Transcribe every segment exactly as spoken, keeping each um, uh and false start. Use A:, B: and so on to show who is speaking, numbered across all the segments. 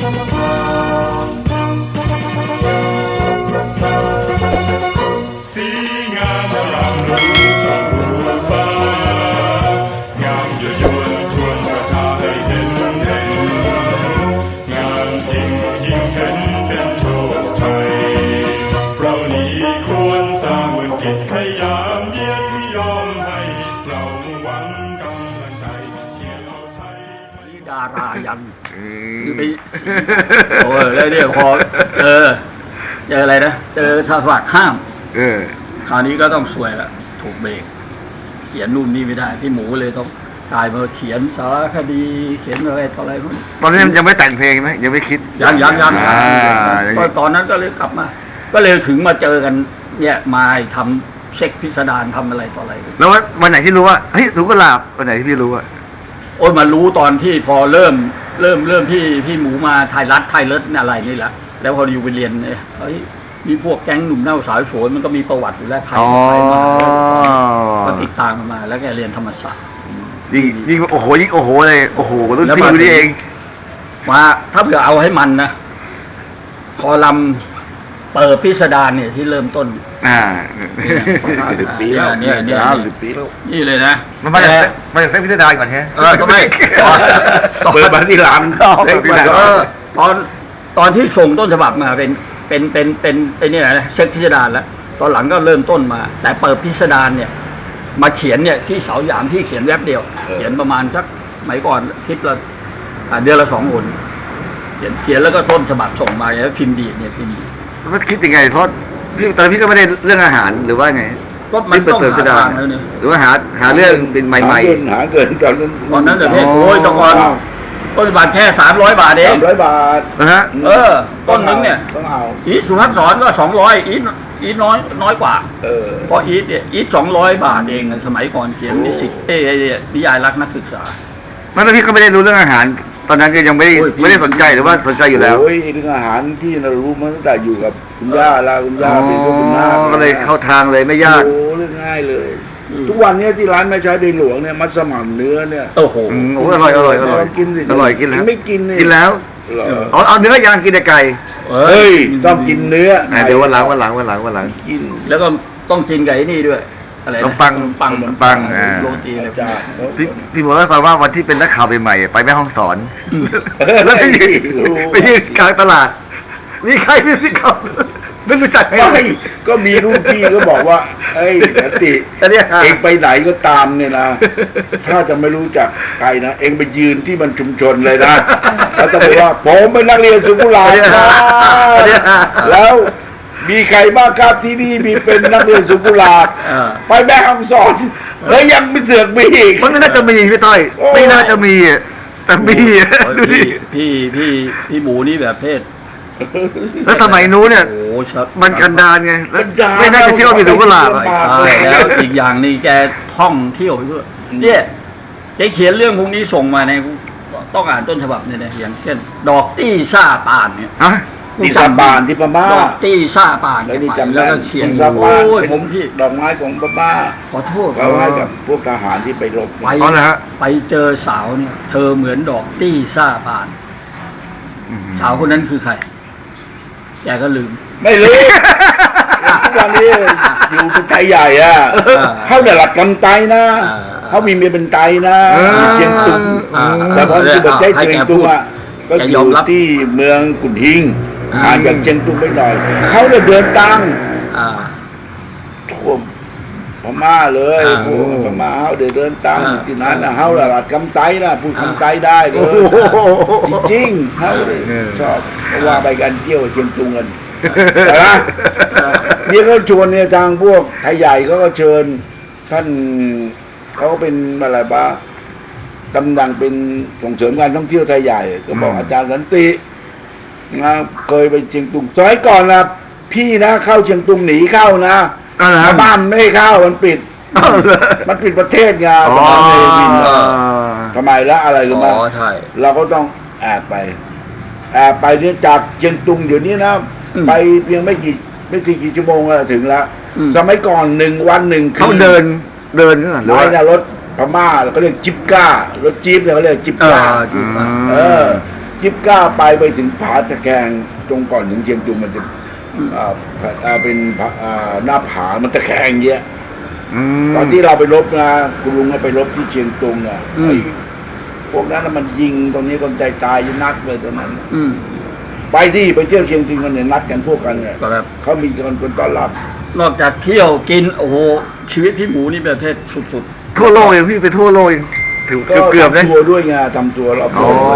A: สีงามรำรู้ช่องรู้ฟ้างามยั่วยวนชวนประชาให้เห็นเห็นงามจริงยิ่งเห็นเป็นโชคชัยเรานี้ควรสร้างบุญกิจขยามเยียดยอมให้เราหวังกำลังใจเชียร์เราไทย
B: ดารายันคือไปโอ้ยแล้วเนี่ยพอเจอเจออะไรนะเจอสวัสดิ์ห้าม
C: เออ
B: คราวนี้ก็ต้องสวยละถูกเบรกเขียนนู่นนี่ไม่ได้พี่หมูเลยต้องกลายมาเขียนสารคดีเขียนอะไรต่ออะไรพวกนี้
C: ตอนนี้ยังไม่แต่งเพลงไหมยังไม่คิด
B: ยังยังยังก็ตอนนั้นก็เลยกลับมาก็เลยถึงมาเจอกันเนี่ยมาทำเช็คพิสดารทำอะไรต่ออะไร
C: แล้ววันไหนที่รู้ว่าเฮ้ยถูกกระลาบวันไหนที่พี่รู้อ่ะ
B: โอ้ยมารู้ตอนที่พอเริ่มเริ่มเริ่มพี่พี่หมูมาไทยรัฐไทยเลิศอะไรนี่แหละแล้วพออยู่ไปเรียนเนี่ยเฮ้ยมีพวกแก๊งหนุ่มเน่าสายโสนมันก็มีประวัติอยู่แล้วใครใครมาก็ติดตามมาแล้วแกเรียนธรรมศาสตร์
C: ยิ่งยิ่งโอ้โหยิ่งโอ้โหเลยโอ้โหรุ่นพี่นี่เอง
B: มาถ้าเผื่อเอาให้มันนะคอลัมเปิดพิสดารเนี่ยที่เริ่มต้น
C: อ่า
B: ปีแล้วเนี่ยเนี่ยนี่เลยนะ
C: มันมาจากมาจากเส้นพิสดารก่อนใช่ไหม
B: เออก็ไม่
C: เปิดมาที่หลัง
B: ตอนตอนที่ส่งต้นฉบับมาเป็นเป็นเป็นเป็นไอ้นี่นะเช็คพิสดารแล้วตอนหลังก็เริ่มต้นมาแต่เปิดพิสดารเนี่ยมาเขียนเนี่ยที่เสาหยามที่เขียนแวบเดียวเขียนประมาณสักสมัยก่อนทิศละเดือนละสองหนเขียนเขียนแล้วก็ต้นฉบับส่งมาแล้วพิมพ์ดีเนี่ยพิมพ์ดี
C: มันคิดยังไงเพราะพี่ตอนพี่ก็ไม่ได้เรื่องอาหารหรือว่าไง
B: ก็มันต้องหาทางแล้ว
C: เนี่ยหรือว่าหาหาเรื่องเป็นใหม่
D: ๆหาเกินตอนนั้น
B: ตอนนั้นเดี๋ยวนี้โอ้ยตะกอนต้นฉบับแค่สามร้อยบาทเอง
D: สามร้อยบาท
C: นะฮะ
B: เออต้นนึงเนี่ย
D: ต้องเอา
B: อีทสุภัสสรก็สองร้อยอีทอีทน้อยน้อยกว่า
D: เออ
B: เพราะอีทเนี่ยอีทสองร้อยบาทเองสมัยก่อนเขียนนิสิตเอนิยายรักนักศึกษา
C: แล้วพี่ก็ไม่ได้รู้เรื่องอาหารตอนนั้นก็ยังไม่ได้ไม่ได้สนใจหรือว่าสนใจอยู่แล้ว
D: โอ้ยเรื่องอาหารพี่เรารู้มาตั้งแต่อยู่กับคุณย่าแล้วคุณย่าเป็นคุณน้า
C: ก็เลยเข้าทางเลยไม่ยาก
D: โอ้เรื่องง่ายเลยทุกวันนี้ที่ร้านแม่ใช้ในหลวงเนี่ยมัสมั่นเนื้อเนี่ย
B: โอ้โห
C: อร่อยอร่อยอร่อย
D: กินสิ
C: อร่อยกินแล้ว
D: ไม่กิน
C: กินแล้วเอาเอาเนื้อย่างกินแต่ไก่
D: เฮ้ยต้องกินเนื้อ
C: เดี๋ยววันหลังวันหลังวันหลังวันหลัง
D: กิน
B: แล้วก็ต้องกินไก่นี่ด้วยอะไร
C: ขนมปัง
B: ปัง
C: ปัง
B: โรตีอะไรจ้า
C: พี่พี่บอกให้ฟังว่าวันที่เป็นนักข่าวใหม่ไปแม่ห้องสอนแล้วไปยืนไปยืนกลางตลาดมีใครมีสิเขาไม่รู้จัก
D: ไงก็มีรุ่นพี่ก็บอกว่าเอ้ยติเองไปไหนก็ตามเนี่ยนะถ้าจะไม่รู้จักใครนะเองไปยืนที่มันชุมชนเลยนะแล้วจะบอกว่าผมเป็นนักเรียนสุขุลานะแล้วมีใครบ้างครับที่นี่มีเป็นนักเรียนสุขุลาไปแม่ห้องสอนแล้วยังไม่เสือกมีอีก
C: มันไม่น่าจะมีพี่ต้อยไม่น่าจะมีแต่มี
B: ดูดิพี่พี่พี่หมูนี่แบบเพศ
C: แล้วสมัยนู้นเนี่ยมันกันดารไงไม่น่าจะเชื่อว่ามีสุขุลา
B: แล้วอีกอย่างนี่แกท่องเที่ยวไปด้วยเนี่ยแกเขียนเรื่องพวกนี้ส่งมาในต้องอ่านต้นฉบับเนี่ยนะอย่างเช่นดอกตี้ซ่าป่านเนี่ย
D: ตีซาบานที่พม่า
B: ดอกตี้ซ่าป่าน
D: แล้วนี่จำ
B: แล้วก็เขียน
D: ซาบาน
B: ผมพี่
D: ดอกไม้ของพม่า
B: ขอโทษ
D: เอาไว้กับพวกทหารที่ไปรบ
B: ไปนะฮะไปเจอสาวเนี่ยเธอเหมือนดอกตี้ซ่าป่านสาวคนนั้นคือใครแกก็ลืม
D: ไม่ลืมทุกวันนี้อยู่เป็นไทยใหญ่อ่ะเขาเนี่ยหลักกำไตนะเขามีเมียเป็นไตนะเชียงตุงแต่พอที่บอกใช้เชียงตุงอ่ะก็อยู่ที่เมืองกุนทิงห่างจากเชียงตุงไม่หน่อยเขาเนี่ยเดินตังท่วมพม่าเลยพม่าเขาเดินเดินตังที่นั้นนะเขาหลักกำไตนะพูดคำไตได้เลยจริงเขาชอบเพราะว่าไปกันเที่ยวเชียงตุงกันนะนี่เขาชวนเนี่ยทางพวกไทยใหญ่ก็เชิญท่านเขาเป็นอะไรบ้างกำลังเป็นส่งเสริมการท่องเที่ยวไทยใหญ่ก็บอกอาจารย์สันตินะเคยไปเชียงตุงสมัยก่อนนะพี่นะเข้าเชียงตุงหนีเข้านะบ้านไม่เข้ามันปิดมันปิดประเทศไงทำไมละอะไรรู้ไหมเราก็ต้องแอบไปแอบไปเนี่ยจากเชียงตุงอยู่นี้นะไปเพียงไม่กี่ไม่กี่กี่ชั่วโมงแล้วถึงแล้วสมัยก่อนหนึ่งวันหนึ่ง
C: เขาเดินเดินหรือ
D: ว่ารถพม่าเราก็เรียกจิ๊บก้ารถจี๊ปเนี่ยเขาเรียกจิ๊บก้าเออจิบก้าไปไปถึงผาตะแคงตรงก่อนถึงเชียงตุงมันจะ
B: อืม
D: อ่าอ่าเป็นผาอ่าหน้าผามันตะแคงเยอะ
C: อืม
D: ตอนที่เราไปรบนะคุณลุงก็ไปรบที่เชียงตุงอ่ะ
B: อืม
D: ไอ้พวกนั้นน่ะมันยิงตรงนี้คนใจตายอยังนักเลยตอนนั้น
B: อืม
D: ไปที่ไปเที่ยวเชียงตุงกันเนี่ยนัดกันพวกกันเนี่ย
B: ครับ
D: เขามีคนคนต้อนรับ
B: นอกจากเที่ยวกินโอ้โหชีวิตพี่หมูนี่ประเภทสุด
C: ทั่วโลกเองพี่ไปทั่วโลกเองถือ
D: ก็
C: เกือบๆนะ
D: ทำตัวด้วยไงทำตัวรอบ
C: อ๋
D: ตั
C: อ
D: วด้วย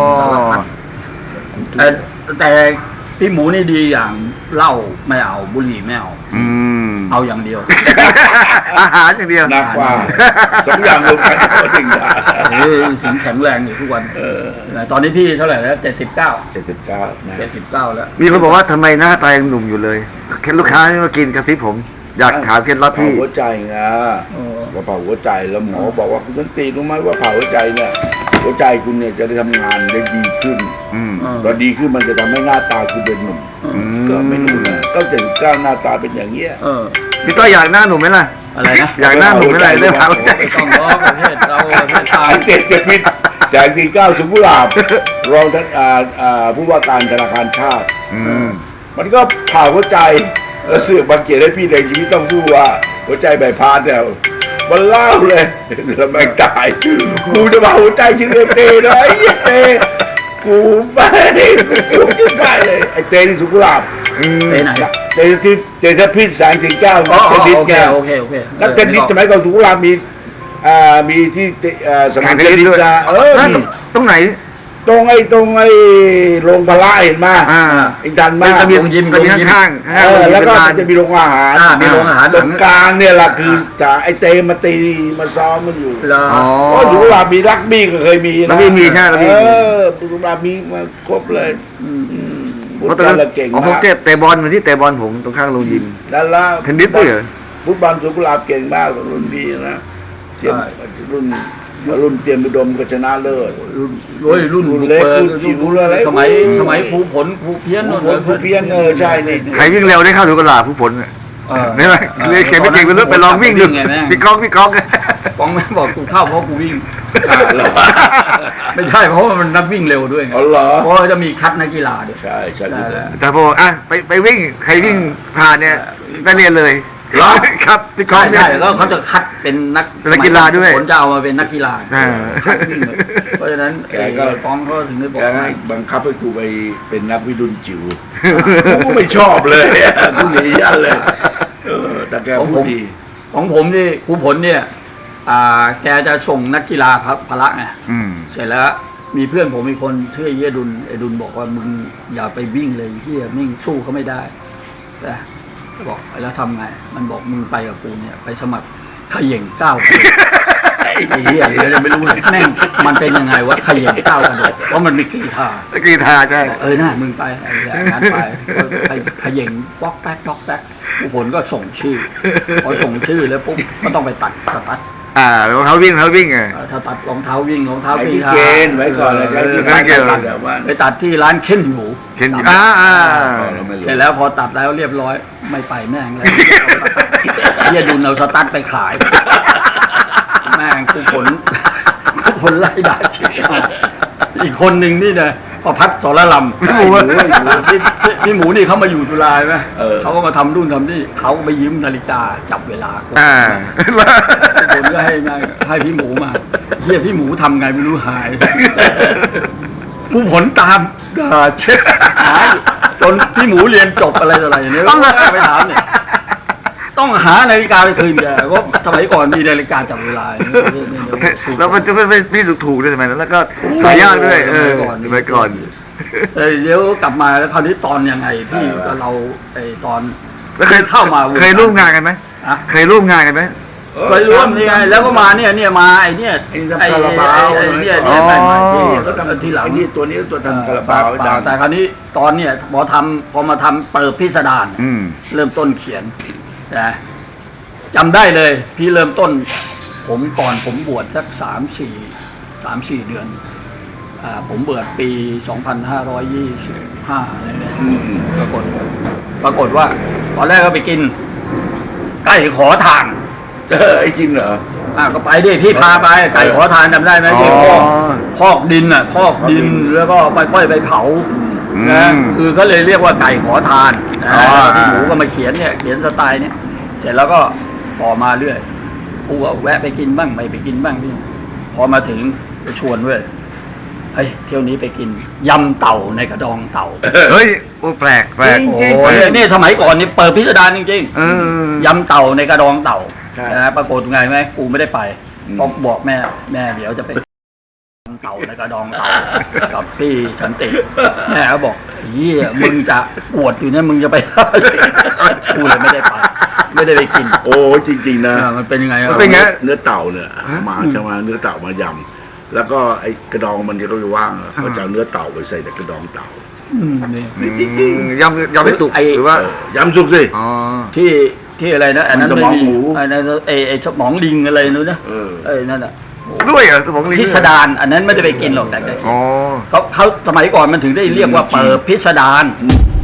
B: ๆแต่แต่พี่หมูนี่ดีอย่างเหล้าไม่เอาบุหรี่ไม่เอา
C: อืม
B: เอาอย่างเดียว
C: อาหารอย่างเดียว
D: หนักกว่าสองอย่างรวมกันก็ถึงได้
B: เฮ้ยสิงแข็งแรงอยู่ทุกวัน
D: เออ
B: ตอนนี้พี่เท่าไหร่แล้วเจ็ดสิบเก้า
D: เจ็ดสิบเก้านะ
B: เจ็ดสิบเก้าแล้ว
C: มีคนบอกว่าทำไมหน้าตายังหนุ่มอยู่เลยเคล็ดลูกค้าที่มากินกระซิบผม อยากถามเคล็ดลับ
D: เผา
C: พี่
D: หัวใจไง
B: โอ้
D: ว่าเผาหัวใจแล้วหมอบอกว่าคุณสันติรู้ไหมว่าเผาหัวใจเนี่ยหัวใจคุณเนี่ยจะได้ทำงานได้ดีขึ้น
C: อืม
B: อ่า
D: พอดีขึ้นมันจะทำให้หน้าตาคุณเป็นหนุ่ม
C: อืม
D: ก็ไม่รู้นะก็เจ็ดสิบเก้าหน้าตาเป็นอย่างเงี้ย
B: เออ
C: พี่ต้อยอยากหน้าหนุ่มไหมล่ะ
B: อะไรนะ
C: อยากหน้าหนุ่มไหมล่ะเรื่องเผาใจ
B: ไม่ต้องล้อประเทศเราประเทศไท
D: สาย ยเจ็ดเจ็ดมิตรแสงสีเก้าสุขุลาบรองท่านอ่าอ่าผู้ว่าการธนาคารชาติ
C: อืม
D: มันก็ผ่าหัวใจแล้วเสือกบังเกียรติให้พี่ในชีวิตต้องสู้ว่า หัวใจใบพานเนี่ยมันเล่าเลยแล้วแม่งตายกูจะมาหัวใจชื่อเตนะไอ้เหี้ยเตกูไม่กูจะได้เลยไอ้เตที่สุขุลาบ
C: อืม
B: ไปไหน
D: เตที่เตที่พิษแสงสีเก้า
B: อ๋อ
D: เทนนิส
B: โอเค
D: ไง
B: โอเคโอเค
D: นักเทนนิสสมัยก่อนสุขุลาบมีอ่ามีที่เอ่อสนามเทนนิสนะเออ
C: นั่น
D: มี
C: ตรงไหน
D: ตรงไอ้ตรงไอ้โรงพละเห็นไหม
C: อ่า
D: ไอ้ดันมาก
C: จะมี
B: โรงยิม
C: จะมี
B: โรงยิม
C: ข้างๆ
D: เอ
C: ข้างๆ
D: อ
C: โรงยิม
D: แล้วก็
C: เป็นลาน
D: จะมีโรงอาหาร
B: อ่ามีโรงอาหาร
D: ตรงกลางเนี่ยแหละคือจะไอ้เตมาตีมาซ้อมมันอยู่
B: เหรอ
C: อ๋อ
D: เพราะสุขุลาบมีรักบี้ก็เคยมีนะ
C: รักบี้มีใช่รักบี้
D: เอ
C: มี
D: อสุขุลาบมีมาครบเลย
B: อืม
D: อืม
C: เพ
D: พุท
C: ราะ
D: ธ
C: ตอนนั้น
D: เราเก่ง
C: อ๋อผม
D: มาก
C: เตะเตะบอลเหมือนที่เตะบอลผมตรงข้างโรงยิม
D: แล้วแล้ว
C: เทนนิสด้วยเหรอ
D: ฟุตบอลสุขุลาบเก่งมากรุ่นดีนะเตรียมรุ่นรุ่นเตรียมอุดมก็ชนะเลิศ
B: รุ่นโอ้ยรุ่น
D: รุ่นเล็ก
B: บุ
D: รุ่
B: ปิ
D: นจิ๋วรุ่นอะไร
B: สมัย
D: โอ้ย
B: สมัยครูผลครูเพี้ยน
D: ครู
B: นู่น
D: ผลครูเพี้ยนเออใช่นี่
C: ใครวิ่งเร็วได้เข้าถึงกระลาผู้ผลเนี่ย
B: เออ
C: เห็นไหม
B: ออ
C: เรียกเขียนไม่เก่งไปเรื่อยไปลองวิ่งดู
B: ไงแม่ง
C: พี่ก้องพี่ก้อง
B: ก้องแม่งบอกกูเข้าเพราะกูวิ่ง
D: อ่าเหรอ
B: ไม่ใช่เพราะว่ามันนักวิ่งเร็วด้วยไง
D: อ๋อเหรอ
B: เพราะว่าจะมีคัดนักกีฬาด้วย
D: ใช่ใช่
B: ได้
D: ใช่
C: แต่พออ่ะไปไปวิ่งใครวิ่งผ่านเนี่ยได้เรียนเลย
B: เหรอ
C: ครับพี่ก้อ
B: ใช่
C: งเนี่ย
B: ใช่แล้วเขาจะคัดเป็นนัก
C: เป็นนักกีฬาด้วย
B: ผลจะเอามาเป็นนักกีฬา
C: อ่า
B: คัดวิ่งเลยเพราะฉะนั้นไอ้กองเขาถึงได้บอก
D: แก
B: ว่า
D: ให้บังคับให้กูไปเป็นนักวิดุลจิ๋วกูไม่ชอบเลยกูหนียันเลยเออแต่แกพูดดี
B: ของผมนี่ครูผลเนี่ย อ่า แกจะส่งนักกีฬาพระพละไง
C: อืม
B: เสร็จแล้วมีเพื่อนผมมีคนชื่อเยดุลไอดุลบอกว่ามึงอย่าไปวิ่งเลยเฮียมิ่งสู้เขาไม่ได้แต่บอกแล้วทำไง มันบอกมึงไปกับกูเนี่ย ไปสมัครเขย่งเก้าคนไอ้เหี้ยเดี๋ยวจะไม่รู้เลยแม่งมันเป็นยังไงวะเขย่งเก้ากระโดดเพราะมันมีกีฬา
C: กีฬาใช่
B: เออน่ามึงไปไอ้เหี้ยงั้นไปไปเขย่งป๊อกแป๊กป๊อกแป๊กผู้ผลก็ส่งชื่อพอส่งชื่อแล้วปุ๊บก็ต้องไปตัดสตัด
C: อ่ารองเท้าวิ่งรองเท้าวิ่งไง
B: เอ่อถ้าตัดรองเท้าวิ่งรองเท้า
D: ไอ้
B: กี
D: ที่
B: ฬา
D: เกณฑ์ไว้ก่อนเลย
B: เออ
C: ไม่เกี่ยว
D: ตัดแบบว่า
B: ไปตัดที่ร้านเค้นหมู
C: เข็นอยู่อ่าอ่า
D: เราไม่รู้
B: เสร็จแล้วพอตัดแล้วเรียบร้อยไม่ไปแม่งเลยเฮียดุนเอาสตั๊ดไปขาย แม่งกูผลกูผลไล่ด่าชิบหายอีกคนหนึ่งนี่เนี่ยประพัฒน์สรลำ
C: พี่หมูอะ
B: พี่พี่พี่หมูนี่เขามาอยู่จุฬาไหม
D: เออ
B: เขาก็มาทำรุ่นทำนี่เขาก็ไปยืมนาฬิกาจับเวลา
C: อ่า
B: ผมก็ให้มาให้พี่หมูมาเฮียพี่หมูทำไงไม่รู้หายผู้ผลตามด่าเช็ดหายจนพี่หมูเรียนจบอะไรต่ออะไรเนี่ยต้องไปถามเนี่ยต้องหานาฬิกาไปคืนแกเพราะสมัยก่อนมีนาฬิกาจับเวลาเนี่ยเนี่ยเนี่ยเนี่ย
C: แล้วมันจะไม่ไม่ไม่ถูกๆด้วยใช่ไหมแล้วก็หายากด้วยเออไปก่อน
B: เออเดี๋ยวกลับมาแล้วคราวนี้ตอนยังไงพี่กับเราไอ้ตอน
C: แล้วเคย
B: เข้ามา
C: เคยร่วมงานกันไหม
B: อะ
C: เคยร่วมงานกันไหม
B: เคยร่วมนี่ไงแล้วก็มาเนี่ยเนี่ยมาไอ้เนี่ย
D: ไอ้คาราบาว
B: ไอ้เนี่ย
C: อ๋
B: เนี่
C: อ
B: ยใหม่ๆที่
D: เขาทำ
B: ทีหลัง
D: ไอ้นี่ตัวนี้ตัวทำกระเป๋า
B: เป
D: ดั
B: ล่าง แต่คราวนี้ตอนเนี่ยพอทำพอมาทำเปิดพิสดาร
C: อืม
B: เริ่มต้นเขียนนะจำได้เลย พี่เริ่มต้น ผมก่อนผมบวชสักสามสี่สามสี่เดือน อ่า ผมบวชปีสองพันห้าร้อยยี่สิบห้าอะไรเนี่ย
D: อืม
B: ปรากฏ ปรากฏว่า ตอนแรกก็ไปกิน ใกล้ขอทาน
D: เออไอ้จริงเหรอ
B: เอ่าก็ไปดิพี่พาไปไก่ขอทานจำได้ไหมที่พอกพอกดินอ่ะพอกดินแล้วก็ไปค่อยไปเผานะคือเขาเลยเรียกว่าไก่ขอทานนะพี่หมูก็มาเขียนเนี่ยเขียนสไตล์เนี่ยเสร็จแล้วก็ต่อมาเรื่อยกูก็แวะไปกินบ้างไม่ไปกินบ้างพี่พอมาถึงไปชวนเว้ยเฮ้ยเที่ยวนี้ไปกินยำเต่าในกระดองเต่า
C: เฮ้ยโอ้แปลกแปลก
B: โอ้ยนี่สมัยก่อนนี่เปิดพิสดารจริง
C: เออ
B: ๆยำเต่าในกระดองเต่า
D: ใช่
B: นะปรากฏไงไหมกูไม่ได้ไป
D: อืม
B: ต้องบอกแม่แม่เดี๋ยวจะไปยำเต่าในกระดองเต่ากับพี่สันติแม่เขาบอกเฮียมึงจะปวดอยู่เนี่ยมึงจะไป กูเลยไม่ได้ไป ไม่ได้ไปกิน
D: โอ้จริงๆนะ
B: อ่ามันเป็นยังไงอ่ะ
C: มันเป็นไง
D: เนื้อเต่าเนี่ย
C: ฮะ
D: มาใช่ไหมเนื้อเต่ามายำแล้วก็ไอ้กระดองมันที่เราไปว่างอะเขาจะเอาเนื้อเต่าไปใส่ในกระดองเต่า
B: อืมนี่
C: อืมยำยำไม่สุก
B: ไอ้
C: หรือว่า
D: เออยำสุกสิ
C: อ๋อ
B: ที่ที่อะไรนะอันนั้น
D: มันสมองหมู
B: ไอ้นั่นไอ้ไอ้สมองลิงอะไรนู้นนะ
D: เออ
B: ไอ้นั่นอ่ะ
C: ด้วยเหรอสมองลิง
B: พิสดารอันนั้นไม่ได้ไปกินหรอกแต่ก็
C: อ๋อ
B: เขาเขาสมัยก่อนมันถึงได้เรียกว่าเปิดพิสดาร
D: อืม